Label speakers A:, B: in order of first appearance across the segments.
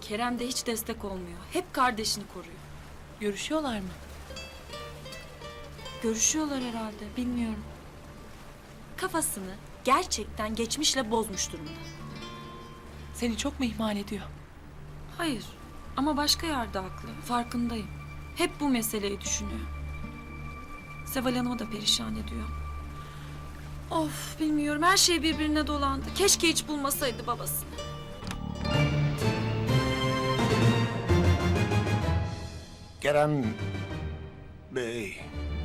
A: Kerem de hiç destek olmuyor. Hep kardeşini koruyor.
B: Görüşüyorlar mı?
A: Görüşüyorlar herhalde, bilmiyorum. Kafasını gerçekten geçmişle bozmuş durumda.
B: Seni çok mu ihmal ediyor?
A: Hayır ama başka yerde haklı, farkındayım. Hep bu meseleyi düşünüyor. Seval Hanım'ı da perişan ediyor. Of, bilmiyorum, her şey birbirine dolandı. Keşke hiç bulmasaydı babasını.
C: Kerem Bey,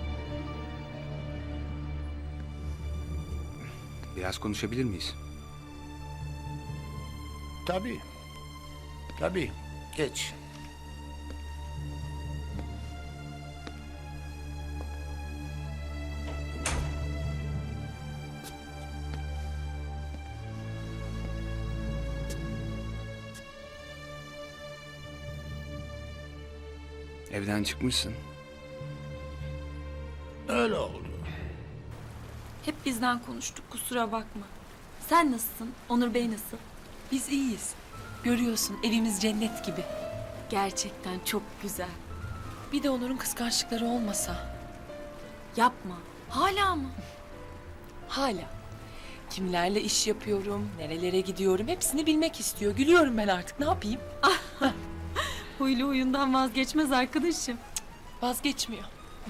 D: Biraz konuşabilir miyiz?
C: tabii. Tabii, geç.
D: Evden çıkmışsın.
C: Öyle oldu.
A: Hep bizden konuştuk, kusura bakma. Sen nasılsın? Onur Bey nasıl?
B: Biz iyiyiz. Görüyorsun evimiz cennet gibi.
A: Gerçekten çok güzel.
B: Bir de Onur'un kıskançlıkları olmasa.
A: Yapma. Hala mı?
B: Hala. Kimlerle iş yapıyorum, nerelere gidiyorum hepsini bilmek istiyor. Gülüyorum ben artık ne yapayım?
A: Huylu huyundan vazgeçmez arkadaşım.
B: Vazgeçmiyor.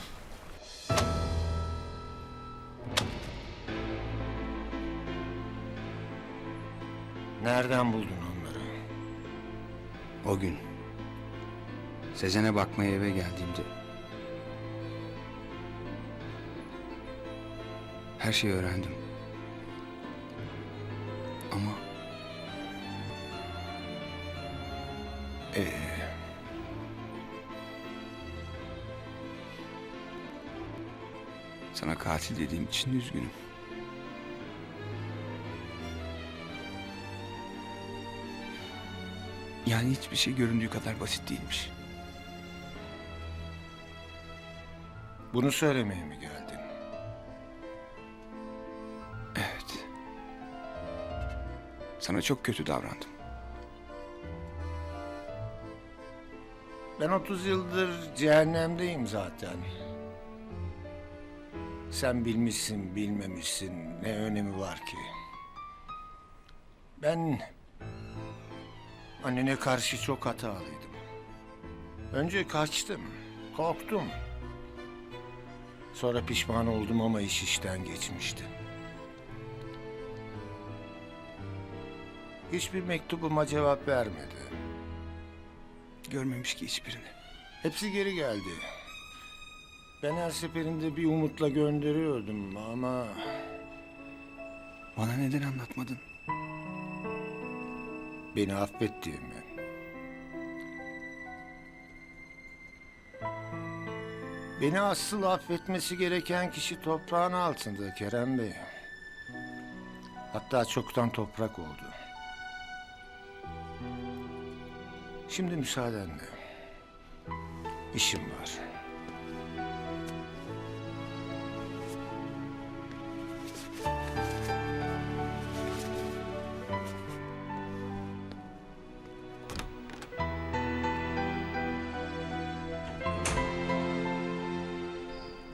C: Nereden buldun onları?
D: O gün Sezen'e bakmaya eve geldiğimde her şeyi öğrendim. Ama sana katil dediğim için üzgünüm. Yani hiçbir şey göründüğü kadar basit değilmiş.
C: Bunu söylemeye mi geldin?
D: Evet. Sana çok kötü davrandım.
C: Ben 30 yıldır cehennemdeyim zaten. Sen bilmişsin, bilmemişsin, ne önemi var ki? Ben annene karşı çok hatalıydım. Önce kaçtım, korktum. Sonra pişman oldum ama iş işten geçmişti. Hiçbir mektubuma cevap vermedi.
D: Görmemiş ki hiçbirini.
C: Hepsi geri geldi. Ben her seferinde bir umutla gönderiyordum ama
D: Bana neden anlatmadın?
C: beni affettiğimi. Beni asıl affetmesi gereken kişi toprağın altında Kerem Bey. Hatta çoktan toprak oldu. Şimdi müsaadenle. İşim var.